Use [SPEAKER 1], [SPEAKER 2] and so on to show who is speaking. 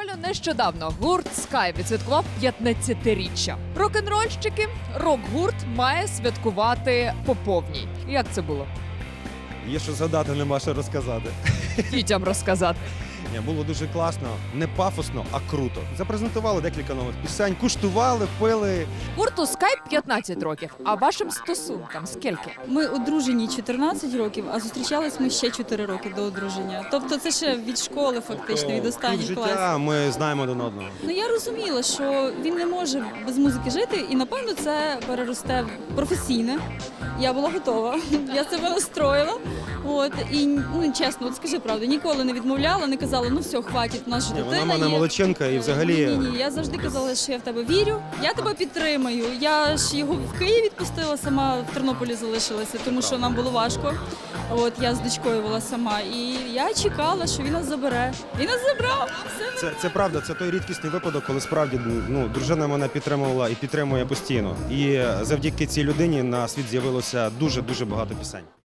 [SPEAKER 1] Буквально нещодавно гурт Sky відсвяткував 15-річчя. Рок-н-рольщики, рок-гурт має святкувати по повній. Як це було?
[SPEAKER 2] Є що згадати, нема що розказати.
[SPEAKER 1] Дітям розказати.
[SPEAKER 2] Ні, було дуже класно, не пафосно, а круто. Запрезентували декілька нових пісень, куштували, пили.
[SPEAKER 1] Гурту Sky 15 років, а вашим стосункам скільки?
[SPEAKER 3] Ми одружені 14 років, а зустрічались ми ще 4 роки до одруження. Тобто це ще від школи фактично, від останніх
[SPEAKER 2] Пів
[SPEAKER 3] класів.
[SPEAKER 2] життя ми знаємо один одного.
[SPEAKER 3] Ну я розуміла, що він не може без музики жити, і напевно це переросте в професійне. Я була готова, я себе настроїла. От і ну чесно, от скажи правду, ніколи не відмовляла, не казала, ну все, хватить, у нас же дитина
[SPEAKER 2] Вона мене
[SPEAKER 3] є.
[SPEAKER 2] молодчинка і взагалі.
[SPEAKER 3] Ні, я завжди казала, що я в тебе вірю, я тебе підтримаю. Я ж його в Київ відпустила, сама в Тернополі залишилася, тому що нам було важко. От я з дочкою була сама, і я чекала, що він нас забере. Він нас забрав. Все.
[SPEAKER 2] Це правда, це той рідкісний випадок, коли справді дружина мене підтримувала і підтримує постійно. І завдяки цій людині на світ з'явилося дуже багато пісень.